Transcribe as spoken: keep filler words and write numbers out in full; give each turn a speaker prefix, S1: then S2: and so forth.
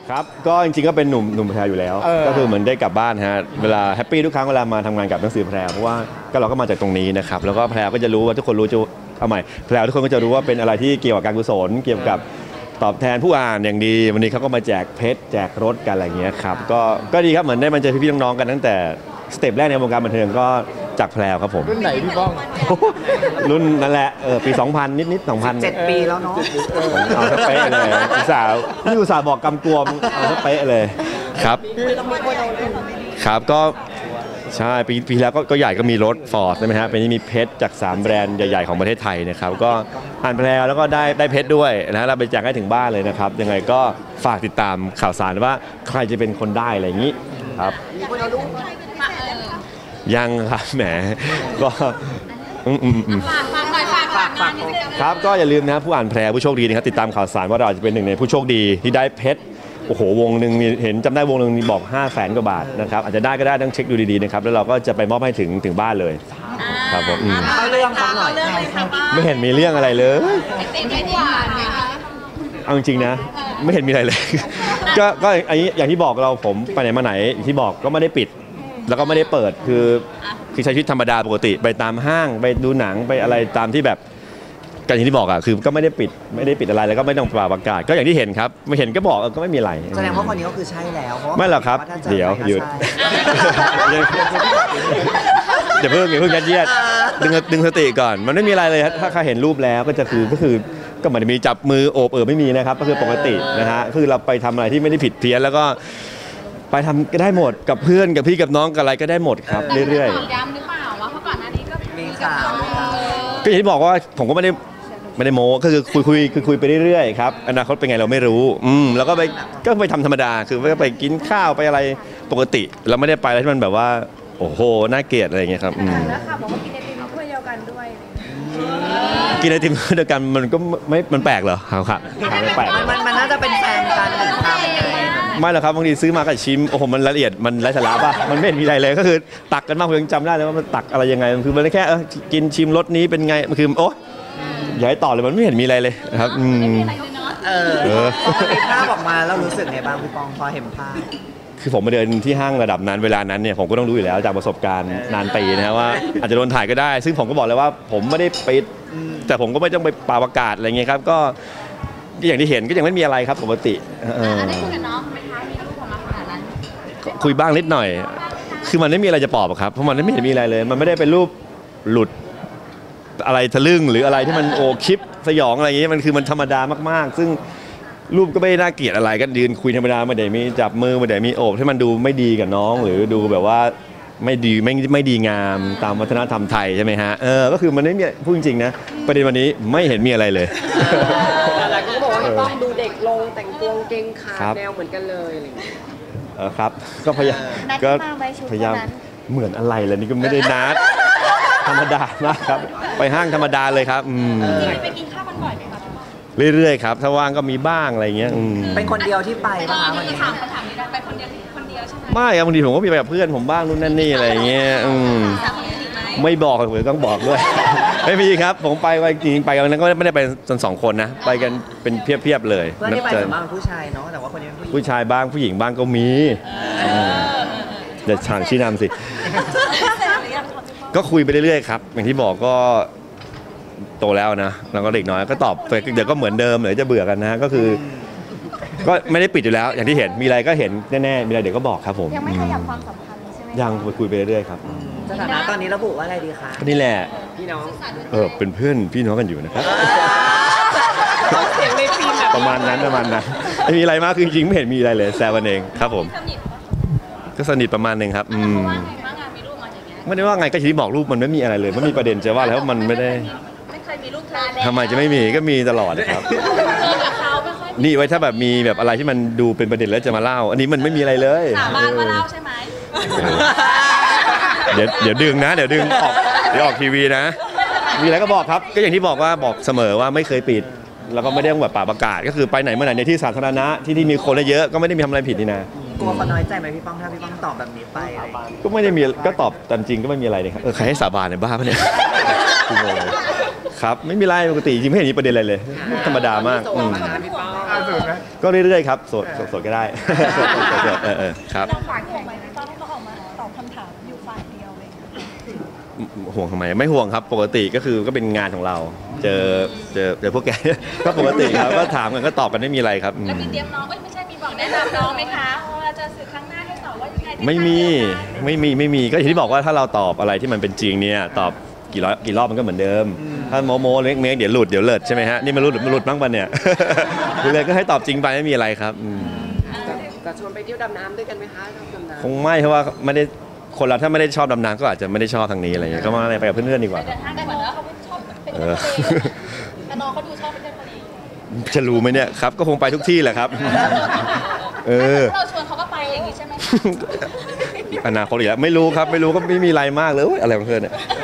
S1: ครับก็จริงๆก็เป็นหนุ่มหนุ่มแพรอยู่แล้วก็คือเหมือนได้กลับบ้านฮะเวลาแฮปปี้ทุกครั้งเวลามาทำงานกับหนังสือแพรเพราะว่าก็เราก็มาจากตรงนี้นะครับแล้วก็แพรก็จะรู้ว่าทุกคนรู้จะเอาใหม่แพรทุกคนก็จะรู้ว่าเป็นอะไรที่เกี่ยวกับการกุศลเกี่ยวกับตอบแทนผู้อ่านอย่างดีวันนี้เขาก็มาแจกเพชรแจกรถกันอะไรเงี้ยครับก็ก็ดีครับเหมือนได้มาเจอพี่ๆน้องๆกันตั้งแต่สเต็ปแรกในวงการบันเทิงก็จากแพรครับผม
S2: รุ่นไหนพี่ป้อง
S1: รุ่นนั่นแหละเออปีสองพันนิดๆสองพัน
S3: เจ็ดปีแล้วเนาะ
S1: เอาซะเป๊ะเลยอุตส่าห์นี่อุตส่าห์บอกกำกวมเอาซะเป๊ะเลยครับครับก็ใช่ปีปีแล้วก็ใหญ่ก็มีรถฟอร์ดใช่ไหมฮะปีนี้มีเพชรจากสามแบรนด์ใหญ่ๆของประเทศไทยนะครับก็อ่านแพรแล้วก็ได้ได้เพชรด้วยนะเราไปแจกให้ถึงบ้านเลยนะครับยังไงก็ฝากติดตามข่าวสารว่าใครจะเป็นคนได้อะไรอย่างนี้ครับยังครับแหมก็ครับก็อย่าลืมนะผู้อ่านแพรผู้โชคดีนะครับติดตามข่าวสารว่าเราจะเป็นหนึ่งในผู้โชคดีที่ได้เพชรโอ้โหวงหนึ่งเห็นจำได้วงหนึ่งบอกห้าแสนกว่าบาทนะครับอาจจะได้ก็ได้ต้องเช็คดูดีๆนะครับแล้วเราก็จะไปมอบให้ถึงถึงบ้านเลยครับผม
S3: เอาเรื่องเขาหน่อย
S1: ไม่เห็นมีเรื่องอะไรเลยเอาจริงๆนะไม่เห็นมีอะไรเลยก็ก็อย่างที่บอกเราผมไปไหนมาไหนที่บอกก็ไม่ได้ปิดแล้วก็ไม่ได้เปิดคือคือใช้ชีวิตธรรมดาปกติไปตามห้างไปดูหนังไปอะไรตามที่แบบกันอย่างที่บอกอ่ะคือก็ไม่ได้ปิดไม่ได้ปิดอะไรแล้วก็ไม่ต้องประกาศก็อย่างที่เห็นครับไม่เห็นก็บอกก็ไม่มีอะไร
S3: แสดงว่าคนนี้ก็คือใช่แล้ว
S1: ไม่หรอกครับเดี๋ยวหยุดอย่าเพิ่งอย่าเพิ่งยัดเยียดดึงดึงสติก่อนมันไม่มีอะไรเลยถ้าใครเห็นรูปแล้วก็จะคือก็คือก็เหมือนมีจับมือโอบเออไม่มีนะครับก็คือปกตินะฮะคือเราไปทำอะไรที่ไม่ได้ผิดเพี้ยนแล้วก็ไปทำก็ได้หมดกับเพื่อนกับพี่กับน้องกับอะไรก็ได้หมดครับเรื่อย
S4: ๆย้ำหรือเปล่าว่าเพราะก่อนหน้านี้ก็มี
S3: ข่าว
S1: ก็อย่างที่บอกว่าผมก็ไม่ได้ไม่ได้โม้ก็คือคุยคุยคือคุยไปเรื่อยๆครับอนาคตเป็นไงเราไม่รู้อืมแล้วก็ไปก็ไปทำธรรมดาคือไปกินข้าวไปอะไรปกติเราไม่ได้ไปอะไรที่มันแบบว่าโอ้โหน่าเกลียดอะไรอย่างเงี้ยครับ
S4: แล้วค่ะบอกว่ากินไอติมถ้วยเดียวกันด้วย
S1: กินไอติมถ้วยเดียวกันมันก็ไม่มันแปลกเหรอครับครับไม่แปลก
S3: มันมันน่าจะเป็นแฟนกันหรือทำยังไง
S1: ไม่หรอกครับบางทีซื้อมาก็ชิมโอ้โหมันละเอียดมันไร้สาระป่ะมันไม่เห็นมีอะไรเลยก็คือตักกันมากผมยังจำได้เลยว่ามันตักอะไรยังไงคือมันแค่กินชิมรสนี้เป็นไงมันคือโอ๊ยอย่าให้ต่อเลยมันไม่เห็นมีอะไรเลยครับอืม
S3: เออพอมีภาพออกมาแล้วรู้สึกไงบ้างพี่ปองพอเห็นภาพ
S1: คือผมมาเดินที่ห้างระดับนั้นเวลานั้นเนี่ยผมก็ต้องรู้อยู่แล้วจากประสบการณ์นานปีนะว่าอาจจะโดนถ่ายก็ได้ซึ่งผมก็บอกเลยว่าผมไม่ได้ปิดแต่ผมก็ไม่ต้องไปปาประกาศอะไรเงี้ยครับก็อย่างที่เห็นก็ยังไม่มีอะไรครับปกติ
S4: ได้คุยกับน้องไหมคะมีรูปออกมาขนาดนั้น
S1: คุยบ้างนิดหน่อยคือมันไม่มีอะไรจะปอบครับเพราะมันไม่เห็นมีอะไรเลยมันไม่ได้เป็นรูปหลุดอะไรทะลึ่งหรืออะไรที่มันโอคลิปสยองอะไรอย่างเงี้ยมันคือมันธรรมดามากๆซึ่งรูปก็ไม่น่าเกลียดอะไรก็ยืนคุยธรรมดาไม่ได้มีจับมือไม่ได้มีโอบให้มันดูไม่ดีกับน้องหรือดูแบบว่าไม่ดีไม่ไม่ดีงามตามวัฒนธรรมไทยใช่ไหมฮะเออก็คือมันไม่มีพูดจริงๆนะประเด็นวันนี้ไม่เห็นมีอะไรเลย
S5: แต่ก็บอกว่าพี่ป้องดูเด็กลงแต่งตัวเก่งขาแนวเหมือนกันเลยอะไรอย่างเงี้ย
S1: เออครับก็พยายามก็พยายามเหมือนอะไรเลยนี่ก็ไม่ได้นัดธรรมดามากครับไปห้างธรรมดาเลยครับอืม
S4: ไปกินข้าวกันบ่อยไหมครับ
S1: เรื่อยๆครับถ้าว่างก็มีบ้างอะไรเงี้ย
S3: เป็นคนเดียวที่ไปป่ะคะวันนี้
S4: ถามคำถามนี้ได้ไปคนเดียวคนเดียวใช่ไหม
S1: ไม่ครับบางทีผมก็มีไปกับเพื่อนผมบ้างนู่นนั่นนี่อะไรเงี้ยอืมไม่บอกเลยต้องบอกด้วยไม่มีครับผมไปไปจริงไปวันนั้นก็ไม่ได้ไปจนสองคนนะไปกันเป็นเพียบๆเลย
S3: เพื่อนที่ไปส่วนมากผู้ชายเนาะแต่ว่าคนนี้เป็น
S1: ผู้ชายบ้างผู้หญิงบ้างก็มีเดี๋ยวฉางชี้นำสิก็คุยไปเรื่อยๆครับอย่างที่บอกก็โตแล้วนะแล้วก็เด็กน้อยก็ตอบเดี๋ยวก็เหมือนเดิมเดี๋ยวจะเบื่อกันนะก็คือก็ไม่ได้ปิดอยู่แล้วอย่างที่เห็นมีอะไรก็เห็นแน่ๆมีอะไรเดี๋ยวก็บอกครับผม
S4: ยังไม่ขยับความสัมพันธ์ใช่ไหม
S1: ยังคุยไปเรื่อยๆครับ
S3: สถานะตอนนี้ระบุว่าอะไรดีคะ
S1: นี่แหละ
S3: พี่น้อง
S1: เออเป็นเพื่อนพี่น้องกันอยู่นะครับ
S5: เสียงในฟิล์มแบบ
S1: ประมาณนั้นประมาณนั้นไม่มีอะไรมากคือจริงๆไม่เห็นมีอะไรเลยแซวกันเองครับผมก็สนิทประมาณนึงครับอืมไม่ได้ว่าไงก็ที่บอกรูปมันไม่มีอะไรเลยไม่มีประเด็นจะว่าแล้วมันไม่ได้ทำไมจะไม่มีก็มีตลอดนะครับนี่ไว้ถ้าแบบมีแบบอะไรที่มันดูเป็นประเด็นแล้วจะมาเล่าอันนี้มันไม่มีอะไรเลย
S4: สาบานมาเล่าใช่ไหม
S1: เดี๋ยวเดี๋ยวดึงนะเดี๋ยวดึงออกเดี๋ยวออกทีวีนะมีอะไรก็บอกครับก็อย่างที่บอกว่าบอกเสมอว่าไม่เคยปิดแล้วก็ไม่ได้แบบป่าประกาศก็คือไปไหนเมื่อไหร่ในที่สาธารณะที่ที่มีคนเยอะก็ไม่ได้มีทำอะไรผิดนี่นะ
S3: กลัวคนน้อยใจไหมพี่ป้องถ้าพี่ป้องตอบแบบนี้ไป
S1: ก็ไม่ได้มีก็ตอบตามจริงก็ไม่มีอะไรเลยครับเออใครให้สาบานเนี่ยบ้าปะเนี่ยครับไม่มีไรปกติจริงไม่เห็นมีประเด็นอะไรเลยธรรมดามาก
S3: พี่ป้อง
S2: โสดไหม
S1: ก็เรื่อยๆครับโสดโสดก็ได้ โสดโสดโสดโสดเออเออครับ
S4: เราฝากห่วงไหมพี่ป้องให้เขาออกมาตอบคำถามอยู่ฝ่ายเดียวเลย
S1: ห่วงทำไมไม่ห่วงครับปกติก็คือก็เป็นงานของเรา เจอเจอเจอพวกแก ก็ปกติครับก็ถามกันก็ตอบกันไม่มีอะไรครับอืม
S4: แล้วมีเตรียมน้องเอ้ยไม่ใช่มีบอกแนะนำน้องไหมคะว่าจะสื่อครั้งหน้าให้สอนว่ายังไง
S1: ไม่มีไม่มีไม่มีก็อย่างที่บอกว่าถ้าเราตอบอะไรที่มันเป็นจริงเนี่ยตอบกี่ร้อยกี่รอบมันก็เหมือนเดิม ถ้าโมโมเล็กเมกเดี๋ยวหลุดเดี๋ยวเลิศใช่ไหมฮะนี่มันหลุดมันหลุดบ้างปะเนี่ย เลยก็ให้ตอบจริงไปไม่มีอะไรครับอืม
S5: จะจะชวนไปเที่ยวดำน้ำด้วยกันไหมคะชอบดำน้ำ
S1: คงไม่เพราะว่าไม่ได้คนเราถ้าไม่ได้ชอบดำน้ำก็อาจจะไม่ได้ชอบทางนี้อะไรเงี้ยก็มาอะไรไปกับเพื่อนๆดีกว่า
S4: เดินห้างกันเหมือนว่าเขาไม่ชอบเป็น
S1: เอ
S4: เที่ยว
S1: อ
S4: ทะเลแต่น้องเขาดูชอบไปเที่ยวทะเล
S1: จะรู้ไหมเนี่ยครับก็คงไปทุกที่แหละครับ เออ
S4: เราชวนเขาก็ไปอย่างนี้ใช่ไหม
S1: อนาคตอีกแล้วไม่รู้ครับไม่รู้ก็ไม่มีอะไรมากเลยอุ๊ยอะไรของเธอเนี่ย